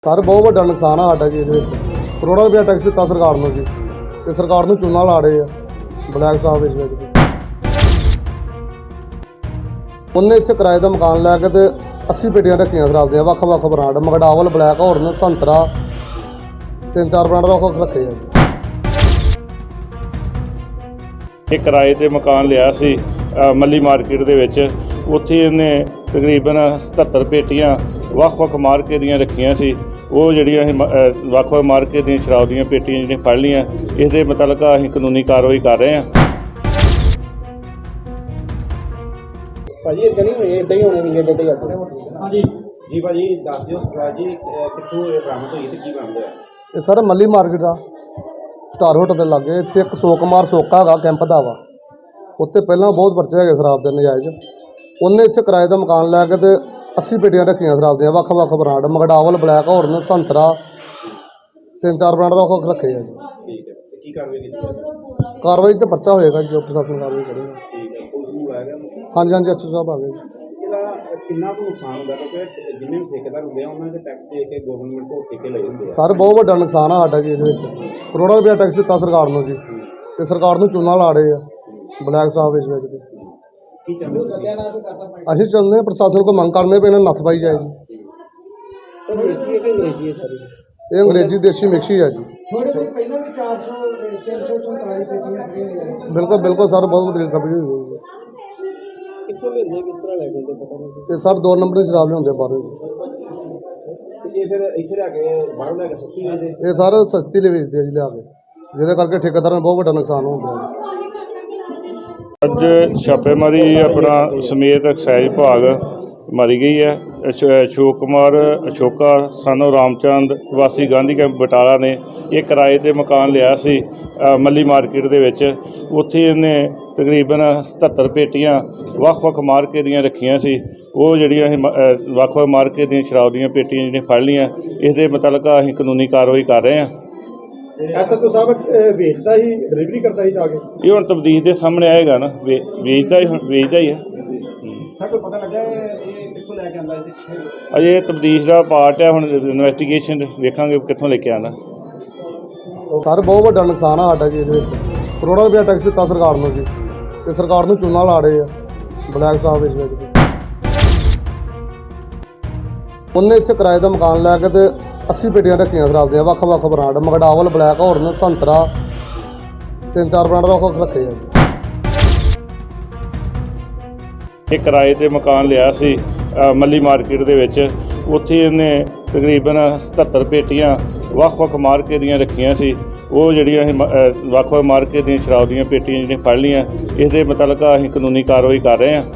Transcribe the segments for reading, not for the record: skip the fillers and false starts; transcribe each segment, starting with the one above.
Sir बहुत वड्डा नुकसान है साडा जी इहदे विच करोड़ों रुपया टैक्स दिता सरकार नूं जी ते सरकार नूं चूना ला रहे आ ब्लैक शराब बेच बेच के उन्हें इत्थे किराए दा मकान लैके ते 80 पेटियां रखियां शराब दियां वक्ख-वक्ख ब्रांड मगडावल ब्लैक हॉर्न संतरा 3-4 ब्रांड वक्ख रखे आ ਇਹ ਕਿਰਾਏ ਤੇ ਮਕਾਨ ਲਿਆ ਸੀ ਮੱਲੀ ਮਾਰਕੀਟ ਦੇ ਵਿੱਚ। ਉੱਥੇ ਇਹਨੇ ਤਕਰੀਬਨ 77 ਪੇਟੀਆਂ ਵੱਖ-ਵੱਖ ਮਾਰਕੇ ਦੀਆਂ ਰੱਖੀਆਂ ਸੀ। ਉਹ ਜਿਹੜੀਆਂ ਅਸੀਂ ਵੱਖ-ਵੱਖ ਮਾਰਕੇ ਦੀਆਂ ਸ਼ਰਾਬ ਦੀਆਂ ਪੇਟੀਆਂ ਜਿਹੜੀਆਂ ਫੜ ਲਈਆਂ, ਇਸ ਦੇ ਮੁਤਲਕ ਅਸੀਂ ਕਾਨੂੰਨੀ ਕਾਰਵਾਈ ਕਰ ਰਹੇ ਹਾਂ। ਭਾਜੀ ਇਦਾਂ ਨਹੀਂ ਹੋਏ, ਇਦਾਂ ਹੀ ਹੋਣੇ ਨਹੀਂ ਡੇਡੇ ਜਾਂਦੇ। ਹਾਂਜੀ ਜੀ ਭਾਜੀ ਦੱਸ ਦਿਓ ਸਰਕਾਰ ਜੀ ਕਿੱਥੋਂ ਇਹ ਬਰਾਮਦ ਹੋਈ ਤੇ ਕੀ ਬਰਾਮਦ ਹੋਇਆ? ਇਹ ਸਰ ਮੱਲੀ ਮਾਰਕੀਟ ਆ स्टार होटल के लागे इत्थे एक सोकुमार सोका है कैंप का वा उत्ते पहला बहुत परचे है शराब के नजायज़। उन्हें इत्थे किराए का मकान लैके ते 80 पेटियां रखियां शराब दियां वक्ख-वक्ख ब्रांड मगडावल ब्लैक हॉर्न संतरा 3-4 ब्रांड वक्ख रखे है। ठीक है की कार्रवाई कार्रवाई तो परचा होएगा जो प्रशासन कार्रवाई करेगा। ठीक है पुलिस नूं लाया गया? हाँ जी हाँ जी अच्छे साहब आ गए। ਇਹਦਾ ਕਿੰਨਾ ਕੁ ਨੁਕਸਾਨ ਹੁੰਦਾ ਕਿਉਂਕਿ ਜਿੰਨੇ ਵੀ ਠੇਕੇਦਾਰ ਹੁੰਦੇ ਆ ਉਹਨਾਂ ਦੇ ਟੈਕਸ ਦੇ ਕੇ ਗਵਰਨਮੈਂਟ ਕੋਲ ਠੇਕੇ ਲਏ ਹੁੰਦੇ ਆ। सर बहुत वड्डा नुकसान है साडा जी इहदे विच करोड़ों रुपया टैक्स दिता सरकार नूं जी ते सरकार नूं चूना ला रहे आ ब्लैक शराब बेच बेच के। ਕੀ ਚਾਹੁੰਦੇ ਹੋ ਸਤਿਆਨਾਸ਼ ਕਰਤਾ ਅਸੀਂ ਚਾਹੁੰਦੇ ਹਾਂ प्रशासन को मंग करने पे इन्हें नत्थ पाई जाए जी। ਸਰ ਦੇਸੀ ਹੈ ਕਿ ਅੰਗਰੇਜ਼ੀ ਹੈ ਸਾਰੀ? ये अंग्रेजी देसी मिक्स ही है जी। ਥੋੜੇ ਦਿਨ ਪਹਿਲਾਂ ਵੀ 400 347 बिल्कुल बिल्कुल सर बहुत बदली कबड़ी हुई है। ਕਿੱਥੋਂ ਲੈਂਦੇ ਕਿਸ ਤਰ੍ਹਾਂ ਲੈ ਕੇ ਆਉਂਦੇ ਪਤਾ ਨਹੀਂ। ਤੇ ਸਰ 2 ਨੰਬਰ ਦੀ ਸ਼ਰਾਬ ਲਿਆਉਂਦੇ ਬਾਹਰੋਂ ਤੇ ਇਹ ਫਿਰ ਇੱਥੇ ਲਿਆ ਕੇ ਬਾਹਰੋਂ ਲੈ ਕੇ ਸਸਤੀ ਵੇਚਦੇ? ਇਹ ਸਰ ਸਸਤੀ ਲਈ ਵੇਚਦੇ ਆ ਜੀ ਲਿਆ ਕੇ, ਜਿਹਦੇ ਕਰਕੇ ਠੇਕੇਦਾਰਾਂ ਨੂੰ ਬਹੁਤ ਵੱਡਾ ਨੁਕਸਾਨ ਹੁੰਦਾ ਹੈ। ਅੱਜ ਛਾਪੇਮਾਰੀ ਆਪਣਾ ਸਮੇਤ ਐਕਸਾਈਜ਼ ਵਿਭਾਗ ਮਾਰੀ ਗਈ ਹੈ। ਅਸ਼ੋਕ ਕੁਮਾਰ ਅਸ਼ੋਕਾ ਸਾਨੂੰ ਰਾਮਚੰਦ ਵਾਸੀ ਗਾਂਧੀ ਕੈਂਪ ਬਟਾਲਾ ਨੇ ਇਹ ਕਿਰਾਏ ਤੇ ਮਕਾਨ ਲਿਆ ਸੀ ਮੱਲੀ ਮਾਰਕੀਟ ਦੇ ਵਿੱਚ। ਉੱਥੇ ਇਹਨੇ ਤਕਰੀਬਨ 77 ਪੇਟੀਆਂ ਵੱਖ-ਵੱਖ ਮਾਰਕੇ ਦੀਆਂ ਰੱਖੀਆਂ ਸੀ। ਉਹ ਜਿਹੜੀਆਂ ਅਸੀਂ ਵੱਖ-ਵੱਖ ਮਾਰਕੇ ਦੀਆਂ ਸ਼ਰਾਬ ਦੀਆਂ ਪੇਟੀਆਂ ਜਿਹੜੀਆਂ ਫੜ ਲਈਆਂ, ਇਸ ਦੇ ਮੁਤਲਕ ਅਸੀਂ ਕਾਨੂੰਨੀ ਕਾਰਵਾਈ ਕਰ ਰਹੇ ਹਾਂ। ਐਸਐਚਓ ਸਾਹਿਬ ਵੇਚਦਾ ਹੀ ਡਿਲੀਵਰੀ ਕਰਦਾ ਹੀ ਜਾ ਕੇ? ਇਹ ਹੁਣ ਤਬਦੀਲ ਦੇ ਸਾਹਮਣੇ ਆਏਗਾ ਨਾ, ਵੇਚਦਾ ਹੀ ਹੈ। ਸਰ ਕੋਈ ਪਤਾ ਲੱਗਾ ਇਹ ਕਿੱਥੋਂ ਲੈ ਕੇ ਆਉਂਦਾ ਇਹਦੇ? ਅਜੇ ਤਬਦੀਲ ਦਾ ਪਾਰਟ ਹੈ, ਹੁਣ ਇਨਵੈਸਟੀਗੇਸ਼ਨ ਵੇਖਾਂਗੇ ਕਿੱਥੋਂ ਲੈ ਕੇ ਆਉਂਦਾ। ਸਰ ਬਹੁਤ ਵੱਡਾ ਨੁਕਸਾਨ ਹੈ ਸਾਡਾ ਜੀ ਇਹਦੇ ਵਿੱਚ ਕਰੋੜਾਂ ਰੁਪਇਆ ਟੈਕਸ ਦਿੱਤਾ ਸਰਕਾਰ ਨੂੰ ਜੀ ਤੇ ਸਰਕਾਰ ਨੂੰ ਚੂਨਾ ਲਾ ਰਹੇ ਆ ਬਲੈਕ ਸ਼ਰਾਬ ਵੇਚ ਵੇਚ ਕੇ। ਉਹਨੇ ਇੱਥੇ ਕਿਰਾਏ ਦਾ ਮਕਾਨ ਲੈ ਕੇ ਤੇ 80 ਪੇਟੀਆਂ ਰੱਖੀਆਂ ਸ਼ਰਾਬ ਦੀਆਂ ਵੱਖ-ਵੱਖ ਬ੍ਰਾਂਡ ਮਗਡਾਵਲ ਬਲੈਕ ਹੌਰਨ ਸੰਤਰਾ 3-4 ਬ੍ਰਾਂਡ ਵੱਖ ਰੱਖੇ ਆ। ਇਹ ਕਿਰਾਏ ਤੇ ਮਕਾਨ ਲਿਆ ਸੀ ਮੱਲੀ ਮਾਰਕੀਟ ਦੇ ਵਿੱਚ। ਉੱਥੇ ਇਹਨੇ ਤਕਰੀਬਨ 77 ਪੇਟੀਆਂ ਵੱਖ-ਵੱਖ ਮਾਰਕੇ ਦੀਆਂ ਰੱਖੀਆਂ ਸੀ। ਉਹ ਜਿਹੜੀਆਂ ਅਸੀਂ ਵੱਖ-ਵੱਖ ਮਾਰਕੇ ਦੀਆਂ ਸ਼ਰਾਬ ਦੀਆਂ ਪੇਟੀਆਂ ਜਿਹੜੀਆਂ ਫੜ ਲਈਆਂ, ਇਸ ਦੇ ਮੁਤਲਕ ਅਸੀਂ ਕਾਨੂੰਨੀ ਕਾਰਵਾਈ ਕਰ ਰਹੇ ਹਾਂ।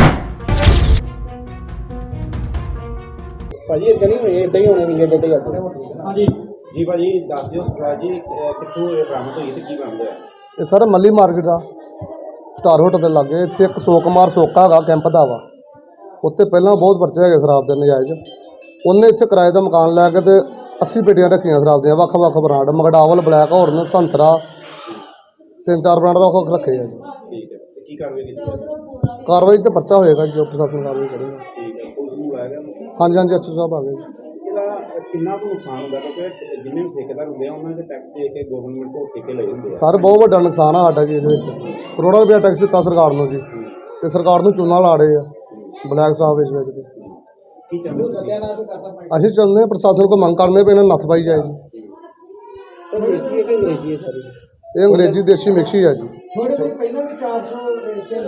ਭਾਜੀ ਇਦਾਂ ਨਹੀਂ ਹੋਏ, ਇਦਾਂ ਹੀ ਹੋਣੇ ਨਹੀਂ ਡੇਡੇ ਜਾਂਦੇ। ਹਾਂਜੀ ਜੀ ਭਾਜੀ ਦੱਸ ਦਿਓ ਸਰਕਾਰ ਜੀ ਕਿੱਥੋਂ ਇਹ ਬਰਾਮਦ ਹੋਈ ਤੇ ਕੀ ਬਰਾਮਦ ਹੋਇਆ? ਇਹ ਸਰ ਮੱਲੀ ਮਾਰਕੀਟ ਆ ਸਟਾਰ ਹੋਟਲ ਦੇ ਲਾਗੇ ਇੱਥੇ ਇੱਕ ਸੋਕੁਮਾਰ ਸੋਕਾ ਹੈਗਾ ਕੈਂਪ ਦਾ ਵਾ ਉੱਤੇ ਪਹਿਲਾਂ ਬਹੁਤ ਪਰਚੇ ਹੈਗੇ ਸ਼ਰਾਬ ਦੇ ਨਜਾਇਜ਼। ਉਹਨੇ ਇੱਥੇ ਕਿਰਾਏ ਦਾ ਮਕਾਨ ਲੈ ਕੇ ਤੇ 80 ਪੇਟੀਆਂ ਰੱਖੀਆਂ ਸ਼ਰਾਬ ਦੀਆਂ ਵੱਖ-ਵੱਖ ਬ੍ਰਾਂਡ ਮਗਡਾਵਲ ਬਲੈਕ ਹੌਰਨ ਸੰਤਰਾ 3-4 ਬ੍ਰਾਂਡ ਵੱਖ ਰੱਖੇ ਆ ਜੀ। ਠੀਕ ਹੈ ਕੀ ਕਾਰਵਾਈ ਕੀਤੀ? ਕਾਰਵਾਈ ਤੇ ਪਰਚਾ ਹੋਏਗਾ ਜੋ ਪ੍ਰਸ਼ਾਸਨ ਕਾਰਵਾਈ ਕਰੇਗਾ। ਠੀਕ ਹੈ ਪੁਲਿਸ ਨੂੰ ਲਾਇਆ ਗਿਆ? हाँ जी हाँ जी अच्छे साहब आ गए। ਇਹਦਾ ਕਿੰਨਾ ਕੁ ਨੁਕਸਾਨ ਹੁੰਦਾ ਕਿਉਂਕਿ ਜਿੰਨੇ ਵੀ ਠੇਕੇਦਾਰ ਹੁੰਦੇ ਆ ਉਹਨਾਂ ਦੇ ਟੈਕਸ ਦੇ ਕੇ ਗਵਰਨਮੈਂਟ ਕੋਲ ਠੇਕੇ ਲਏ ਹੁੰਦੇ ਆ। सर बहुत ਵੱਡਾ ਨੁਕਸਾਨ ਹੈ ਸਾਡਾ ਜੀ ਇਹਦੇ ਵਿੱਚ ਕਰੋੜਾਂ ਰੁਪਇਆ ਟੈਕਸ ਦਿੱਤਾ ਸਰਕਾਰ ਨੂੰ ਜੀ ਤੇ ਸਰਕਾਰ ਨੂੰ ਚੂਨਾ ਲਾ ਰਹੇ ਆ ਬਲੈਕ ਸ਼ਰਾਬ ਵੇਚ ਵੇਚ ਕੇ। ਕੀ ਚਾਹੁੰਦੇ ਹੋ ਸਤਿਆਨਾਸ਼ ਕਰਤਾ? ਅਸੀਂ ਚਾਹੁੰਦੇ ਹਾਂ प्रशासन को मंग करने पे इन्हें नत्थ पाई जाए जी। ਸਰ ਦੇਸੀ ਹੈ ਕਿ ਅੰਗਰੇਜ਼ੀ ਹੈ ਸਾਰੀ? ये अंग्रेजी देसी मिक्स ही है जी। ਥੋੜੇ ਦਿਨ ਪਹਿਲਾਂ ਵੀ 400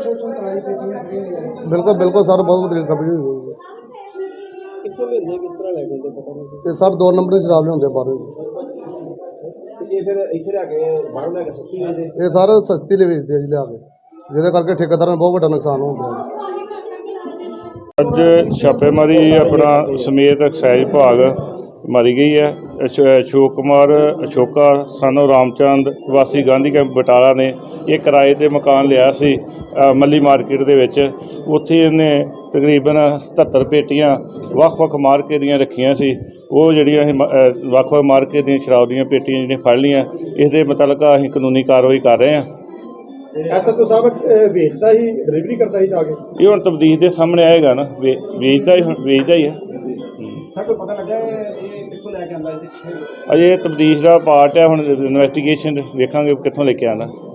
347 बिल्कुल बिल्कुल सर बहुत बदली कबड़ी हुई है। ਕਿੱਥੋਂ ਲੈਂਦੇ ਕਿਸ ਤਰ੍ਹਾਂ ਲੈ ਕੇ ਆਉਂਦੇ ਪਤਾ ਨਹੀਂ। ਤੇ ਸਰ 2 ਨੰਬਰ ਦੀ ਸ਼ਰਾਬ ਲਿਆਉਂਦੇ ਬਾਹਰੋਂ ਤੇ ਇਹ ਫਿਰ ਇੱਥੇ ਲਿਆ ਕੇ ਬਾਹਰੋਂ ਲੈ ਕੇ ਸਸਤੀ ਵੇਚਦੇ? ਇਹ ਸਰ ਸਸਤੀ ਲਈ ਵੇਚਦੇ ਆ ਜੀ ਲਿਆ ਕੇ, ਜਿਹਦੇ ਕਰਕੇ ਠੇਕੇਦਾਰਾਂ ਨੂੰ ਬਹੁਤ ਵੱਡਾ ਨੁਕਸਾਨ ਹੁੰਦਾ ਹੈ। ਅੱਜ ਛਾਪੇਮਾਰੀ ਆਪਣਾ ਸਮੇਤ ਐਕਸਾਈਜ਼ ਵਿਭਾਗ ਮਾਰੀ ਗਈ ਹੈ। ਅਸ਼ੋਕ ਕੁਮਾਰ ਅਸ਼ੋਕਾ ਸਾਨੂੰ ਰਾਮਚੰਦ ਵਾਸੀ ਗਾਂਧੀ ਕੈਂਪ ਬਟਾਲਾ ਨੇ ਇਹ ਕਿਰਾਏ ਤੇ ਮਕਾਨ ਲਿਆ ਸੀ ਮੱਲੀ ਮਾਰਕੀਟ ਦੇ ਵਿੱਚ। ਉੱਥੇ ਇਹਨੇ ਤਕਰੀਬਨ 77 ਪੇਟੀਆਂ ਵੱਖ-ਵੱਖ ਮਾਰਕੇ ਦੀਆਂ ਰੱਖੀਆਂ ਸੀ। ਉਹ ਜਿਹੜੀਆਂ ਅਸੀਂ ਵੱਖ-ਵੱਖ ਮਾਰਕੇ ਦੀਆਂ ਸ਼ਰਾਬ ਦੀਆਂ ਪੇਟੀਆਂ ਜਿਹੜੀਆਂ ਫੜ ਲਈਆਂ, ਇਸ ਦੇ ਮੁਤਲਕ ਅਸੀਂ ਕਾਨੂੰਨੀ ਕਾਰਵਾਈ ਕਰ ਰਹੇ ਹਾਂ। ਐਸਐਚਓ ਸਾਹਿਬ ਵੇਚਦਾ ਹੀ ਡਿਲੀਵਰੀ ਕਰਦਾ ਹੀ ਜਾ ਕੇ? ਇਹ ਹੁਣ ਤਬਦੀਲ ਦੇ ਸਾਹਮਣੇ ਆਏਗਾ ਨਾ, ਵੇਚਦਾ ਹੀ ਹੈ। ਸਰ ਕੋਈ ਪਤਾ ਲੱਗਾ ਇਹ ਕਿੱਥੋਂ ਲੈ ਕੇ ਆਂਦਾ ਇਹਦੇ ਅਜੇ ਤਬਦੀਸ਼ ਦਾ ਪਾਰਟ ਹੈ, ਹੁਣ ਇਨਵੈਸਟੀਗੇਸ਼ਨ ਵੇਖਾਂਗੇ ਕਿੱਥੋਂ ਲੈ ਕੇ ਆਉਂਦਾ।